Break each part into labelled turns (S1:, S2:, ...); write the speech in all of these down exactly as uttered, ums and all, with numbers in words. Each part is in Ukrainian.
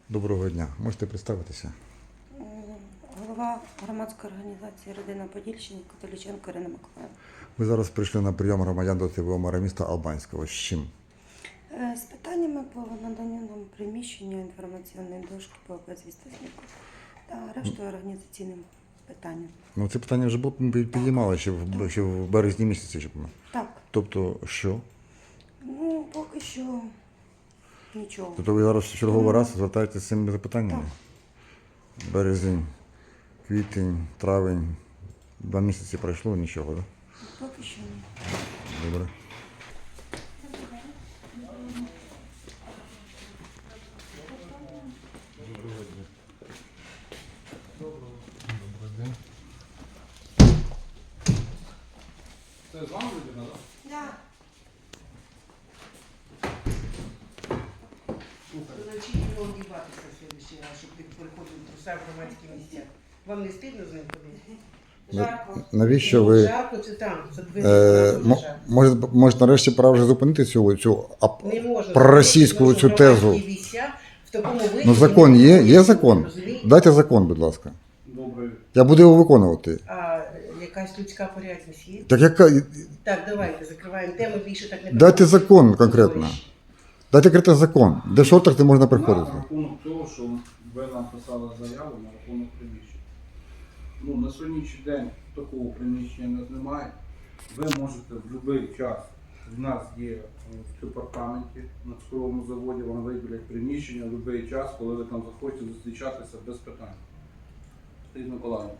S1: Доброго дня. Можете представитися?
S2: Голова громадської організації «Родина Подільщини» Католіченко Ірина Миколаївна.
S1: Ви зараз прийшли на прийом громадян до ТВО мера міста Албанського. З чим?
S2: Е, З питаннями по наданню нам приміщення інформаційної дошки по безвістовнику та рештою організаційним питанням.
S1: Ну, це питання вже було підіймали ще в, ще в березні місяці. Щоб...
S2: Так,
S1: Тобто, що?
S2: ну поки що нічого.
S1: Тобто ви зараз в черговий раз звертаєтеся з цими запитаннями? Березень, квітень, травень, два місяці пройшло, нічого, так?
S2: Поки що ні.
S1: Добре.
S3: Це з вами людина, так?
S2: Да.
S4: Значить його одіватися в следующий раз, щоб ти приходив в трусах в громадські місця. Вам не стидно з ним ходити?
S2: Жарко.
S1: Навіщо ви
S4: Жарко, це там, це двері,
S1: е,
S4: там
S1: мо-
S4: жарко.
S1: може, може нарешті пора вже зупинити цю, цю ап-
S4: Не можна.
S1: проросійську
S4: Тому що
S1: цю тезу?
S4: громадські місця в такому вигляді
S1: Ну закон
S4: не
S1: є?
S4: можуть
S1: Є
S4: бути,
S1: закон?
S4: розумієте?
S1: Дайте закон, будь ласка.
S3: Добре.
S1: Я буду його виконувати.
S4: А якась людська порядність є?
S1: Так яка...
S4: Так, давайте, закриваємо тему, більше так не
S1: Дайте
S4: будемо.
S1: закон конкретно. Дайте конкретно закон. Де в шортах не можна приходити.
S3: На рахунок того, що ви написали заяву на рахунок приміщення. Ну, на сьогоднішній день такого приміщення у нас немає. Ви можете в будь-який час, в нас є в департаменті на цукровому заводі, вам виділять приміщення в будь-який час, коли ви там захочете зустрічатися без питань. Сергій Миколаївна.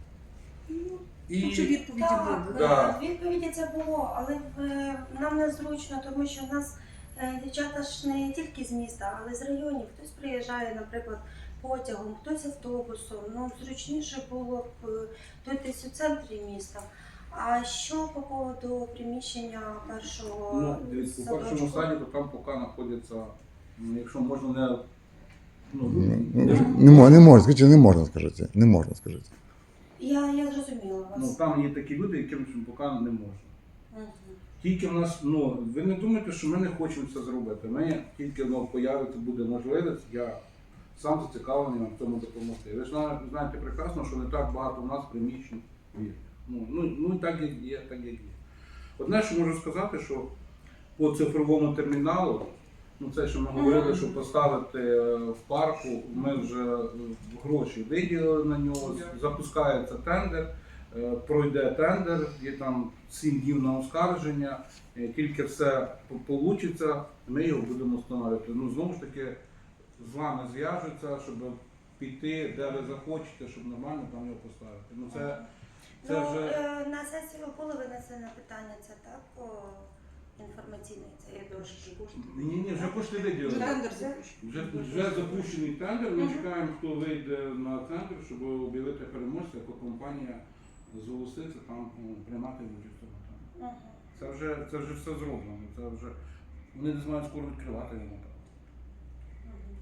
S3: І
S4: Ну, щоб відповіді
S2: Так,
S4: були.
S3: Да.
S2: е, відповіді це було, але е, нам незручно, тому що в нас е, дівчата ж не тільки з міста, але з районів. Хтось приїжджає, наприклад, потягом, хтось автобусом. Ну, зручніше було б е, тут десь у центрі міста. А що по поводу приміщення першого
S3: ну, дивіться, по першому
S2: садочку?
S3: садіку там поки знаходяться, ну, якщо можна не. Ну,
S1: Ну,
S3: не-
S1: Не можна, не можна, скажіть, не можна, скажіть. Не можна, скажіть.
S2: Я, я зрозуміла вас.
S3: Ну, там є такі люди, яким поки не можна.
S2: Мгм.
S3: Тільки в нас, ну, ви не думайте, що ми не хочемо це зробити. Ми тільки ну, появиться буде можливість, я сам зацікавлений вам в цьому допомогти. Ви ж зна- знаєте прекрасно, що не так багато в нас приміщень вільних. Ну, ну, ну і так як є, так як є. Одне, що можу сказати, що по цифровому терміналу, ну це що ми говорили, що поставити е, в парку, ми вже е, гроші виділили на нього, запускається тендер. Е, Пройде тендер, є там сім днів на оскарження, е, тільки все вийде, ми його будемо встановлювати. Ну, знову ж таки, з вами зв'яжуться, щоб піти, де ви захочете, щоб нормально там його поставити. Ну, це, це
S2: Ну,
S3: вже...
S2: е, на сесію було винесено питання, це так, по інформаційній цієї дошки.
S3: Ні, ні, вже кошти виділили.
S4: Тендер
S2: Вже-
S4: запущений.
S3: Вже, вже запущений тендер, ми
S2: Мгм.
S3: чекаємо, хто вийде на тендер, щоб об'явити переможця, яка компанія зголоситься там ну, приймати участь в цьому тендері.
S2: Мгм.
S3: Це вже, це вже все зроблено, це вже вони не знають скоро відкривати йому.
S2: Мгм.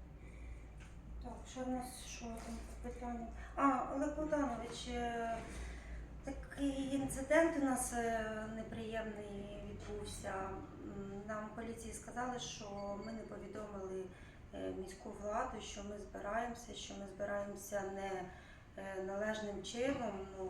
S2: Так, що в нас, що там по питанню? А, Олег Богданович, е, такий інцидент у нас е, неприємний відбувся. М, Нам в поліції сказали, що ми не повідомили е, міську владу, що ми збираємося, що ми збираємося не е, належним чином. Ну,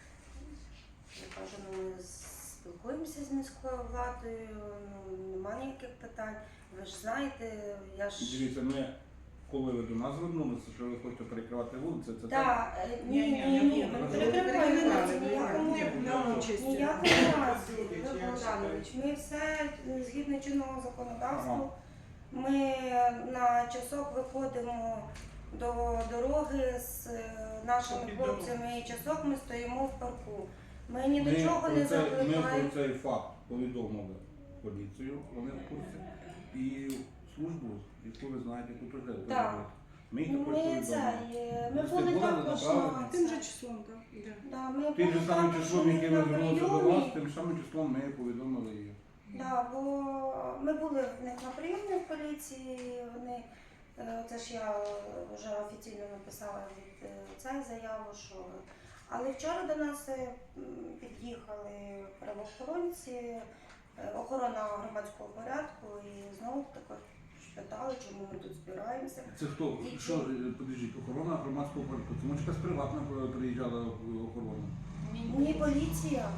S2: я кажу, ну, ми спілкуємося з міською владою, ну, немає ніяких питань. Ви ж знаєте, я ж...
S3: Дивіться, ми, коли ви до нас звернулися, що ви хочете перекривати вулиці, це так.
S2: Так, е, ні, ні, ні, ні, ми
S4: Ні,
S2: перекриваємо
S4: ні,
S2: вулиці,
S4: ні,
S2: ніякому
S4: ні,
S2: ну,
S4: участі.
S2: ніякому разі, Олег Богданович. Ми все згідно чинного законодавства. Ми на часок виходимо до дороги з е, нашими хлопцями і часок ми стоїмо в парку. Ми ні до
S3: Ми
S2: чого
S3: про
S2: не
S3: це- Ми
S2: закликаємо.
S3: про цей факт повідомили поліцію, вони в курсі, і службу, яку ви знаєте, яку теж ви
S2: Так.
S3: робите. Ми їх
S2: Ну,
S3: також
S2: Ми
S3: повідомили.
S2: це, е, ми
S3: Ви
S2: були
S3: були
S2: також
S3: направлені?
S2: на
S4: Тим же
S2: це.
S4: числом, так. Да.
S2: Да, ми
S3: Тим
S2: були
S3: же самим
S2: також
S3: числом, яке ви
S2: на
S3: звернулися до
S2: прийомі.
S3: вас, тим самим числом ми повідомили її.
S2: Да, бо ми були в них на прийомі в поліції, вони, е, це ж я вже офіційно написала від е, цієї заяву, що... Але вчора до нас е, м, під'їхали правоохоронці, е, охорона громадського порядку і знову також питали, чому ми тут збираємося.
S3: Це хто? Що, е, подождіть, охорона громадського порядку? Це може якась приватна е, приїжджала охорона?
S2: Ні, поліція.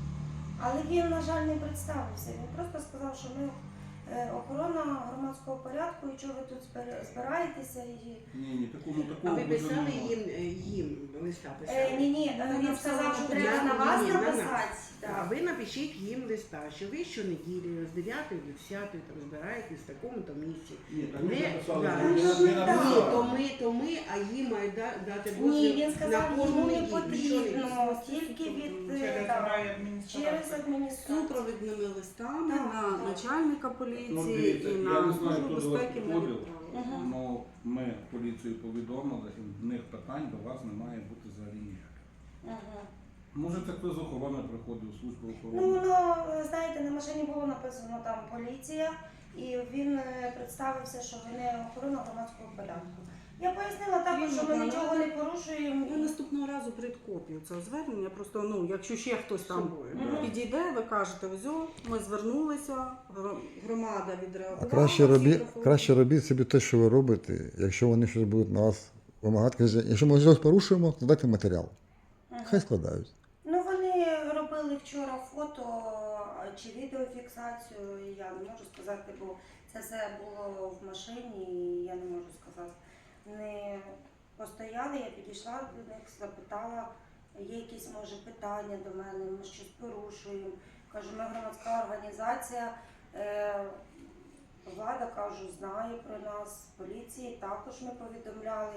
S2: Але він, на жаль, не представився. Він просто сказав, що ми е, охорона громадського порядку, і чого ви тут збира- збираєтеся. І...
S3: Ні, ні, такого,
S4: А
S3: такого
S4: ви
S3: бути
S4: писали
S3: не
S4: їм, е, їм листа
S2: Е,
S4: писали?
S2: ні, ні, е, він сказав, що треба на вас
S4: Ні, ні, на нас.
S2: написати.
S4: А
S2: Так.
S4: ви напишіть їм листа, що ви щонеділі з дев'ятої до десятої там збираєтесь в такому-то місці.
S3: Ні, так
S4: Ми-
S3: ми написали,
S4: да.
S3: ми не- не
S2: Ну,
S4: Ні,
S3: написали.
S4: то ми, то ми, а їм мають да- дати дозвіл
S2: Ні, він
S4: на
S2: сказав,
S4: кожну
S2: йому не
S4: неділю. Що
S2: потрібно, тільки від е,
S5: Через
S2: так,
S5: рай адміністрації.
S2: через адміністрацію.
S6: Супровідними листами
S2: Так,
S6: на
S2: так.
S6: начальника
S3: Ну,
S6: поліції
S3: дивіться,
S6: і
S3: я
S6: на
S3: не знаю,
S6: службу
S3: хто до вас
S6: безпеки ми
S3: підходив.
S6: відправили.
S2: Мгм.
S3: Ну, ми поліцію повідомили, і в них питань до вас не має бути взагалі ніяких.
S2: Мгм.
S3: Може, це хтось з охорони приходив, служба
S2: Ну,
S3: охорони.
S2: воно, е, знаєте, на машині було написано там поліція, і він е, представився, що вони охорона громадського порядку. Я пояснила також, що ми
S6: Ні,
S2: нічого не порушуємо.
S6: Я наступного разу прийду копію цього звернення. Просто ну, якщо ще хтось там
S4: собою,
S2: да.
S6: підійде, ви кажете, ось о, ми звернулися, гро- громада відреагувала.
S1: А краще
S6: всі
S1: робіть,
S6: профілі-
S1: краще робіть собі те, що ви робите. Якщо вони щось будуть на вас вимагати, кажіть, якщо ми щось порушуємо, то дайте матеріал.
S2: Мгм.
S1: Хай складають.
S2: Ну, вони робили вчора фото чи відеофіксацію, і я не можу сказати, бо це все було в машині, і я не можу сказати. Не постояли, я підійшла до них, запитала, є якісь, може, питання до мене, ми щось порушуємо. Кажу, ми громадська організація, е, влада, кажу, знає про нас, поліції також ми повідомляли.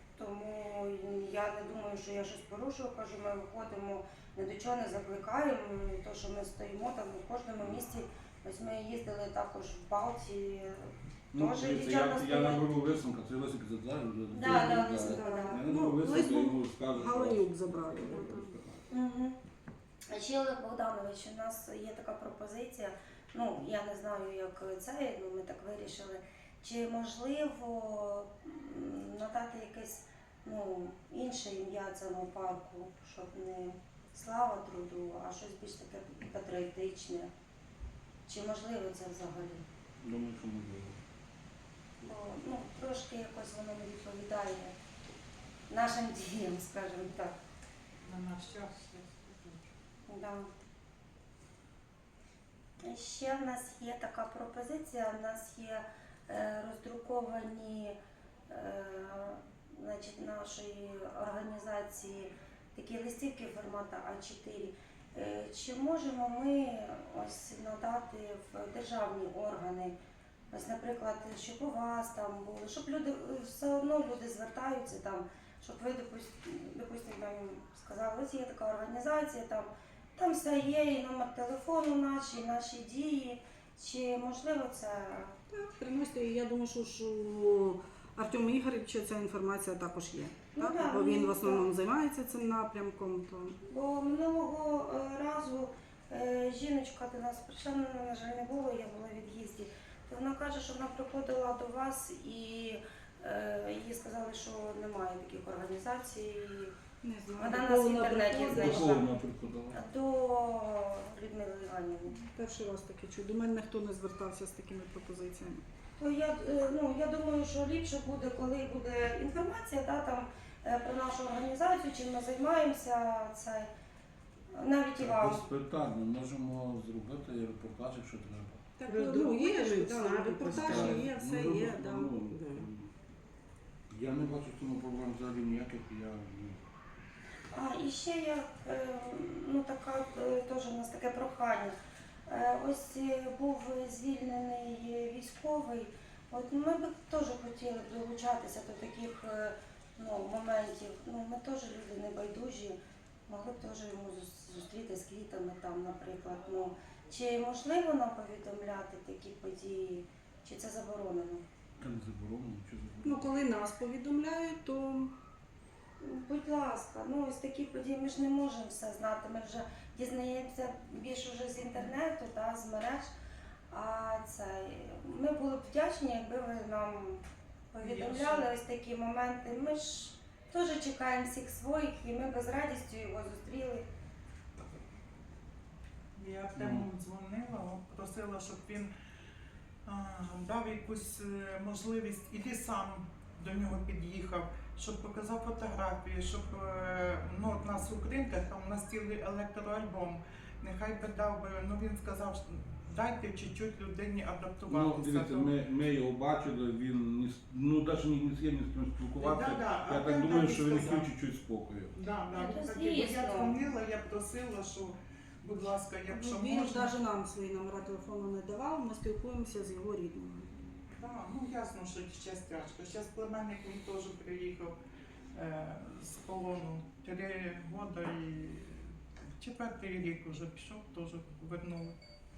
S2: Тому я не думаю, що я щось порушую. Кажу, ми виходимо, ні до чого не закликаємо. То, що ми стоїмо там в кожному місті. Ось ми їздили також в Балті.
S3: Ну,
S2: Теж
S3: дивіться,
S2: дівчата
S3: я, я
S2: стоять.
S3: наберу Лисенка, це Лисик задзаю.
S2: Да, да, Лисенка, да.
S3: Я
S6: Ну,
S3: наберу Лисенка,
S6: Лисенко
S3: йому скажу, що...
S6: Галанюк забрали.
S2: Угу. А ще Олег Богданович, у нас є така пропозиція. Ну, я не знаю, як це, ну ми так вирішили. Чи можливо м, надати якесь ну, інше ім'я цьому парку, щоб не слава труду, а щось більш таке патріотичне? Чи можливо це взагалі?
S3: Думаю, що можливо.
S2: Бо ну, трошки якось воно не відповідає нашим діям, скажімо так.
S5: На наш час.
S2: Да. Ще в нас є така пропозиція, в нас є е, роздруковані е, значить, нашої організації такі листівки формату А чотири. Е, чи можемо ми ось надати в державні органи, ось, наприклад, щоб у вас там було, щоб люди все одно люди звертаються там, щоб ви допустим, допустим там сказали, ось є така організація, там, там все є, і номер телефону наш, і наші дії. Чи можливо це?
S6: Так, приносите, і я думаю, що ж у Артема Ігоревича ця інформація також є.
S2: Ну,
S6: Так?
S2: да,
S6: Бо він
S2: ну,
S6: в основному займається цим напрямком. То...
S2: Бо минулого е, разу е, жіночка до нас прийшла, мене, на жаль, не було, я була в від'їзді. То вона каже, що вона приходила до вас і е, їй сказали, що немає таких організацій.
S6: Не знаю,
S2: Вона
S6: до
S2: нас
S6: кого
S2: в інтернеті
S6: приходить.
S3: До
S2: знайшла.
S3: кого вона приходила?
S2: До Людмили Іванівни.
S6: Перший раз таке чую. До мене ніхто не звертався з такими пропозиціями.
S2: То я, е, ну, я думаю, що ліпше буде, коли буде інформація да, там, е, про нашу організацію, чим ми займаємося, це навіть і вам.
S3: Без питань, ми можемо зробити репортаж, якщо треба.
S6: Так,
S4: Ну,
S6: ну, є
S4: друкуєш,
S6: ж,
S4: да,
S6: да,
S4: так,
S6: репортажі
S4: так.
S6: є, все
S3: Ну,
S6: є. Да.
S3: ну,
S4: Да.
S3: Я не бачу в цьому проблем взагалі ніяких, я... ну,
S2: А і ще я, е, ну така е, теж у нас таке прохання. Е, Ось е, був звільнений військовий. От ми б теж хотіли б долучатися до таких е, ну, моментів. Ну, ми теж люди небайдужі, могли б теж йому зус- зустріти з квітами там, наприклад. Ну, чи можливо нам повідомляти такі події, чи це заборонено?
S3: Та не заборонено, чи
S6: Ну,
S3: заборонено.
S6: коли нас повідомляють, то
S2: Будь ласка, ну ось такі події ми ж не можемо все знати. Ми вже дізнаємося більше вже з інтернету, та, з мереж. А це ми були б вдячні, якби ви нам повідомляли ось такі моменти. Ми ж теж чекаємо всіх своїх, і ми би з радістю його зустріли.
S5: Я Артему дзвонила, от просила, щоб він а, дав якусь е, можливість, іди сам до нього під'їхав, щоб показав фотографії, щоб е, ну, от нас у Кринках, там у нас цілий електроальбом. Нехай би дав би, ну він сказав, що дайте чуть-чуть людині
S3: Ну,
S5: адаптуватися.
S3: дивіться,
S5: до-
S3: ми, ми його бачили, він ні, з- ну, навіть ні, ні з ким ні з ким спілкувався.
S5: Да-да, а
S3: Я так
S5: він
S3: думаю,
S5: так і
S3: що він
S5: сказав.
S3: хотів чуть-чуть спокою.
S5: Да, да,
S2: Ну,
S5: він
S2: то
S5: такий, бо я
S2: звісно.
S5: дзвонила, я просила, що, будь ласка, якщо
S6: Він
S5: можна.
S6: навіть нам свої номера телефону не давав, ми спілкуємося з його рідними.
S5: Да, ну ясно, що зараз тяжко. Зараз племянник він теж приїхав е, з полону три роки і четвертий рік вже пішов, теж вернули.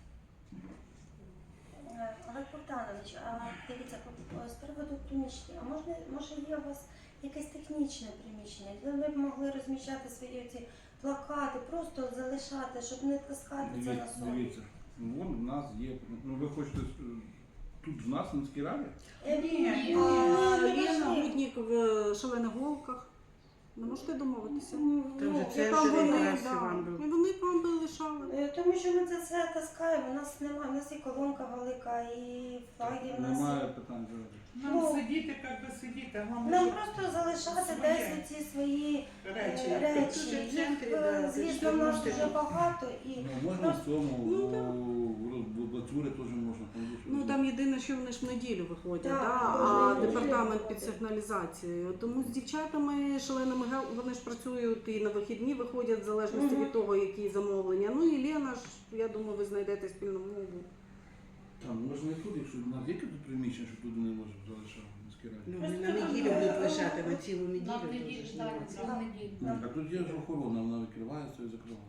S2: Е, Олег Богданович, а дивіться, по- з приводу приміщення, а можна, може є у вас якесь технічне приміщення, де ви б могли розміщати свої ці плакати, просто залишати, щоб не таскати це на
S3: Дивіться,
S2: сон?
S3: дивіться. Ну, вон у нас є. Ну ви хочете е, тут в нас в міській раді?
S2: Е,
S5: Ні,
S2: ні,
S5: ні.
S2: ну,
S6: А
S2: не
S6: Лена
S2: важливо.
S6: Гутнік в шалених голках. Не можете домовитися?
S2: Ну,
S4: Там
S2: ну,
S4: же
S2: і
S4: це
S6: Там
S4: вже
S6: вони,
S4: якраз
S6: да,
S4: Іван був.
S6: і вони б вам би лишали.
S2: Е, Тому що ми це все таскаємо, у нас немає, у нас і колонка велика, і флаги в нас.
S3: Немає
S2: є.
S3: питань зараз.
S5: Нам
S2: Ну,
S5: сидіти, як би сидіти, а нам
S2: Нам
S5: вже
S2: просто залишати
S5: своє.
S2: десь ці свої
S5: речі.
S2: е,
S4: Тут же
S2: речі.
S4: в центрі,
S2: Їх,
S4: да,
S2: е,
S4: це
S2: звісно,
S4: ж
S2: в нас
S4: можете
S2: дуже
S4: тут.
S2: багато і
S3: Ну, можна в цьому,
S6: Ну,
S3: в-
S6: так.
S3: в Бацюрі теж можна. там є що
S6: Ну
S3: робити.
S6: там єдине, що вони ж в неділю виходять,
S2: Так,
S6: да?
S2: кожної
S6: а
S2: неділі
S6: департамент
S2: виходять.
S6: під сигналізацією. Тому з дівчатами шаленими гел, вони ж працюють і на вихідні виходять в залежності
S2: Мгм.
S6: від того, які замовлення. Ну і Лена ж, я думаю, ви знайдете спільну мову.
S3: Там можна і тут, якщо в нас є якесь приміщення, що туди не можемо залишати в міській раді.
S4: Ну,
S2: Просто
S4: на неділю
S2: там,
S4: будуть
S2: е,
S4: лишати, на цілу неділю.
S7: Нам
S4: теж
S7: неділю,
S4: ж
S7: так,
S4: нема.
S7: цілу неділю.
S3: Ну, а тут є ж охорона, вона викривається і закриває.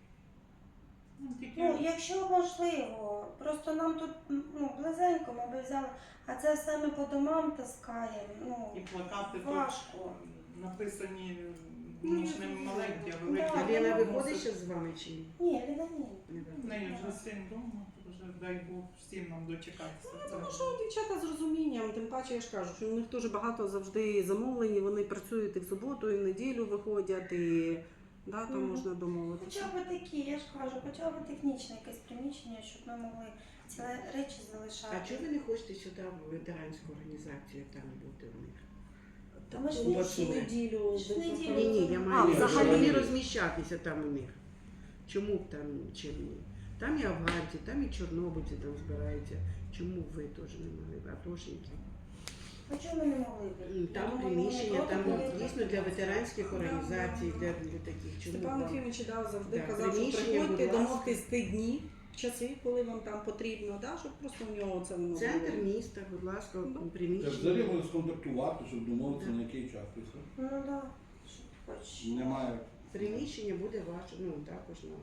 S5: Ну, тільки
S2: ну, якщо можливо, просто нам тут ну, близенько ми би взяли, а це все ми по домам таскаємо. Ну,
S5: і плакати
S2: важко.
S5: тут написані
S6: Ну,
S5: ну, ж
S6: я
S5: не
S6: зрозуміла.
S5: маленькі, а
S2: Да.
S5: великі.
S4: А Лена
S2: ну,
S4: виходить ще з вами чи ні?
S2: Ні, Ліна, ні.
S4: Не
S5: В неї вже син вдома, вже дай Бог всім нам дочекатися.
S6: Тому що дівчата з розумінням, тим паче я ж кажу, що у них дуже багато завжди замовлень, і вони працюють і в суботу, і в неділю виходять, і да, там
S2: Мгм.
S6: можна домовитися.
S2: Хоча б такі, я ж кажу, хоча б технічне якесь приміщення, щоб ми могли ці речі залишати.
S4: А чого ви не хочете сюди в ветеранську організацію там бути у них?
S2: Та ми ж
S6: У
S2: не
S6: вас
S2: всі.
S6: неділю.
S2: ж неділю.
S4: Ні, ні, я
S6: А,
S4: маю на
S6: взагалі?
S4: увазі не розміщатися там у них. Чому б там чим ні? Там і афганці, там і чорнобильці там збираються. Чому ви теж не могли? Атошники.
S2: А чого ми не могли б?
S4: М, Там
S2: Я думаю,
S4: приміщення,
S2: ми
S4: там
S2: проти були.
S4: дійсно для ветеранських організацій, для, для таких. Чому
S6: Степан
S4: вам?
S6: Єфімович да, завжди
S4: Да,
S6: казав, що
S4: приміщення,
S6: приходьте,
S4: будь ласка.
S6: домовтесь ті дні, часи, коли вам там потрібно, да, щоб просто в нього це воно
S4: Центр
S6: було.
S4: міста, будь ласка,
S6: Ну,
S3: Це взагалі
S4: приміщення.
S3: можна сконтактувати, щоб домовитися на який час. і все.
S2: Ну так, да. Щоб хоч.
S3: Немає.
S4: Приміщення буде ваше, ну також на.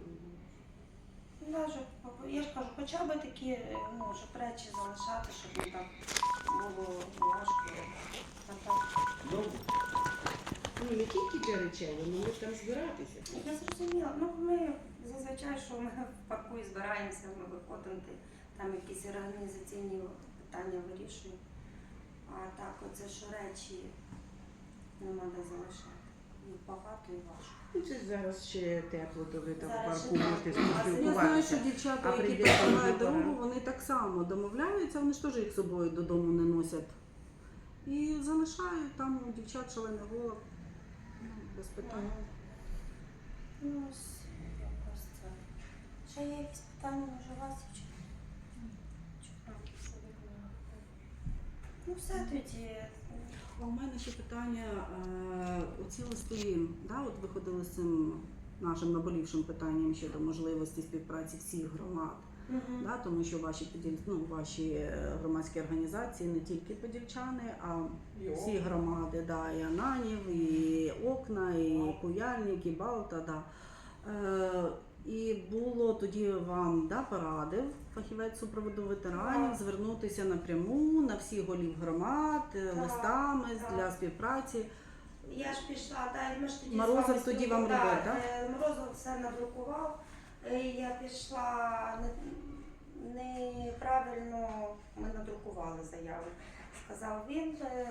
S2: Ну, да, щоб, я ж кажу, хоча б такі, ну, щоб речі залишати, щоб не так було важко. А так.
S3: Добре.
S4: Ну не тільки для речей, ви могли б там збиратися.
S2: Я зрозуміла. Ну, ми зазвичай, що ми в парку і збираємося, ми виходимо, ти- там якісь організаційні питання вирішуємо. А так, оце що речі нема де залишати. Їх багато і важко.
S4: Ну це зараз ще тепло, то ви там в
S2: Зараз
S4: парку
S2: ще
S4: можете
S2: тепло. А
S6: Я знаю, що
S4: спілкуватися.
S6: дівчата,
S4: А
S6: які
S4: прийде
S6: працюють
S4: пора.
S6: дорогу, вони так само домовляються, вони ж теж їх з собою додому не носять. І залишають там у дівчат шалений голод. Ну, без питань.
S2: Ну, ось якось це. Ще є якісь питання, може, у вас чи? Чи там, що ви думаєте? Ну, все тоді.
S6: А у мене ще питання. е, Оці листи, да, от виходили з цим нашим наболівшим питанням щодо можливості співпраці всіх громад.
S2: Мгм.
S6: Да, тому що ваші поділь... ну, ваші е, громадські організації не тільки подільчани, а всі громади, да, і Ананів, і Окна, і Куяльник, і Балта. Да. Е, і було тоді вам да, порадив фахівець супроводу ветеранів
S2: Так.
S6: звернутися напряму на всіх голів громад е,
S2: Так,
S6: листами
S2: так.
S6: для співпраці.
S2: Я ж пішла, да, і ми ж тоді
S6: Морозов
S2: з вами
S6: тоді вам
S2: спілкували.
S6: робив, так?
S2: Е, Морозов все надрукував. Е, Я пішла не- неправильно, ми надрукували заяву. Сказав він. е,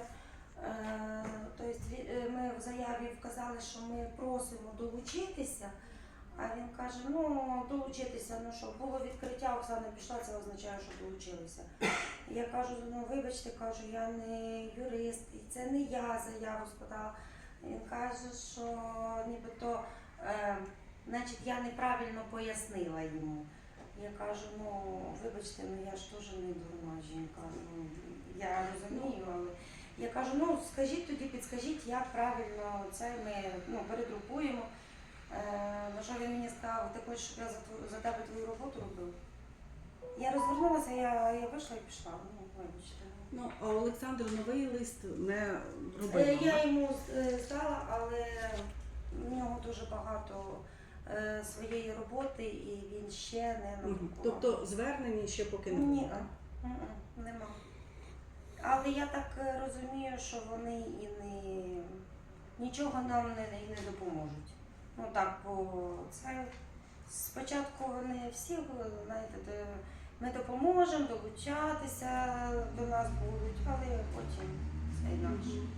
S2: е, Тобто ві- е, ми в заяві вказали, що ми просимо долучитися, А він каже, ну долучитися, ну що, було відкриття, Оксана пішла, це означає, що долучилися. Я кажу, ну вибачте, кажу, я не юрист, і це не я заяву складала. Він каже, що нібито, е, значить, я неправильно пояснила йому. Я кажу, ну вибачте, ну я ж теж не дурна жінка, ну я розумію, але я кажу, ну скажіть тоді, підскажіть, як правильно це ми ну, перегрупуємо. Е, на що він мені сказав, ти хочеш, щоб я за, твою, за тебе твою роботу робив? Я розвернулася, я, я вийшла і пішла, ну вибачте.
S6: Ну, а Олександр новий лист не
S2: Е,
S6: робив.
S2: Я йому е, здала, але в нього дуже багато е, своєї роботи і він ще не
S6: Мгм.
S2: надрукував.
S6: Тобто звернень ще поки не
S2: Ні,
S6: було, так?
S2: м-м, нема. Але я так е, розумію, що вони і не нічого нам не, і не допоможуть. Ну так, бо це спочатку вони всі, знаєте, де ми допоможемо долучатися до нас будуть, але потім все інакше. М.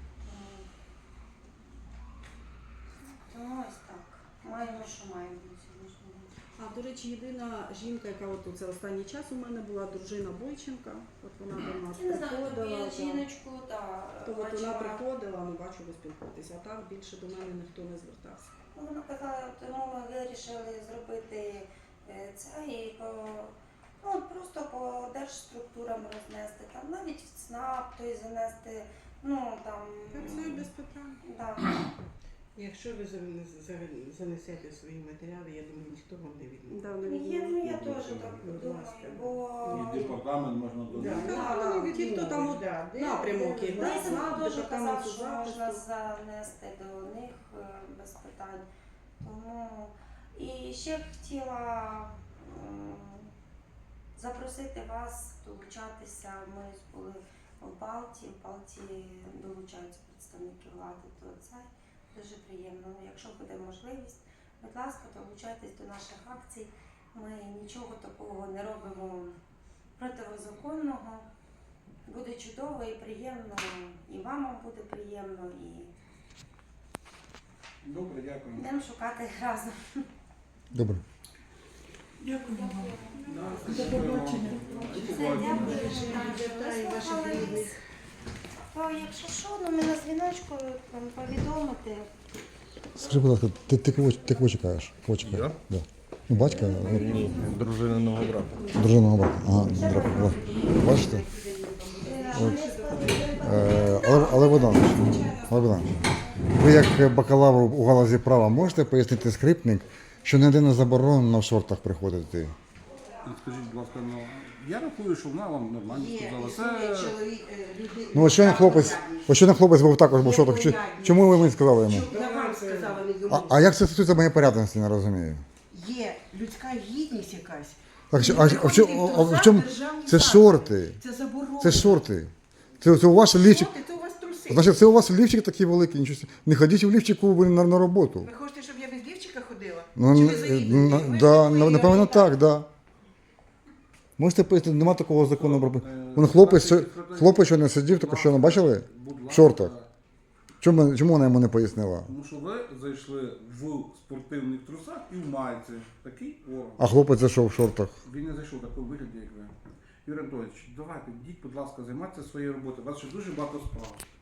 S2: Тому ось так. Маємо, що маємо на сьогоднішній день.
S6: А, до речі, єдина жінка, яка от це останній час у мене була, дружина Бойченка. От вона до нас
S2: Я не знаю,
S6: приходила.
S2: тобі
S6: та-
S2: жіночку, та
S6: То от вона
S2: бачила.
S6: приходила, ну бачу, ви спілкуєтеся. А так більше до мене ніхто не звертався.
S2: Ну, вона казала, тому ми вирішили зробити е, це і по, ну, от просто по держструктурам рознести, там навіть в ЦНАП, той занести, ну там.
S4: Працюю без питань.
S2: Да.
S4: Якщо ви занес- за- занесете свої матеріали, я думаю, ніхто вам не відмовить.
S6: Да, не
S2: Я, ну, я
S6: відмовляю.
S2: теж так
S4: Будь
S2: думаю,
S4: ласка.
S2: бо
S3: І департамент можна
S4: Да,
S3: додати.
S6: да,
S4: ну,
S6: да.
S4: від
S6: Ті, хто там от
S4: да, де-
S6: напрямок
S4: де-
S6: є,
S4: де-
S6: да,
S2: Лисин
S6: ЦНАП,
S2: теж
S6: департамент
S2: казав, що
S6: захисту.
S2: можна занести до них е, без питань. Тому і ще хотіла м, запросити вас долучатися. Ми були в Балті, в Балті долучаються представники влади, то це дуже приємно. Ну, якщо буде можливість, будь ласка, долучайтесь до наших акцій. Ми нічого такого не робимо протизаконного. Буде чудово і приємно, і вам буде приємно, і
S3: Добре, дякую.
S2: будемо шукати разом.
S1: Добре.
S5: Дякую вам.
S3: До побачення.
S2: Все, дякую.
S4: Вітаю ваших рідних.
S2: То, якщо що, ну ми на дзвіночку там повідомити.
S1: Скажи, будь ласка, ти, ти, кого, ти кого чекаєш? Кого чекаєш?
S7: Я?
S1: Да. Ну, батька,
S7: Ні, дружининого брата.
S1: дружиного брата. Ага, добре. О, бачите?
S2: От.
S1: Е, але, але Богданович, але Богданович, ви як бакалавр у галузі права можете пояснити скрипник, що не єдине заборонено в шортах приходити?
S3: Скажіть, будь ласка, ну я рахую, що вона вам нормально
S4: Є,
S3: сказала.
S4: існує
S3: Це
S4: чоловік, е, люди-
S1: Ну, от щойно хлопець, от щойно хлопець був також був в шортах. Чи- Чому ви мені сказали йому?
S4: Я вам сказала, не
S1: А,
S4: йому.
S1: а як це стосується моєї порядності, не розумію.
S4: Є людська гідність якась.
S1: Так, що,
S4: Не
S1: а, а, в
S4: приходити
S1: чому,
S4: в
S1: а в
S4: трусах
S1: чому?
S4: державні
S1: Це
S4: заклади.
S1: шорти.
S4: Це заборонено.
S1: Це шорти. Це, це у вас лівчик.
S4: Шорти, це у вас труси.
S1: Значить, це у вас лівчик такий великий. Нічого. собі. Не ходіть в лівчику ви на, на роботу.
S4: Ви хочете, щоб я без лівчика ходила?
S1: Ну,
S4: Чи
S1: н-
S4: ви заїдете?
S1: на-
S4: Ви
S1: да,
S4: такої
S1: напевно,
S4: орієнтації.
S1: так, да. Можете пояснити, нема такого закону про.
S3: Е,
S1: Вон хлопець,
S3: значить,
S1: що-
S3: Федорів,
S1: хлопець, що не сидів, тільки що не бачили?
S3: будь ласка,
S1: В шортах. Чому, чому вона йому не пояснила?
S3: Тому що ви зайшли в спортивних трусах і в майці. Такий орган.
S1: А хлопець зайшов в шортах.
S3: Він не зайшов в такому вигляді, як ви. Юрій Анатолійович, давайте, йдіть, будь ласка, займайтеся своєю роботою. У вас ще дуже багато справ.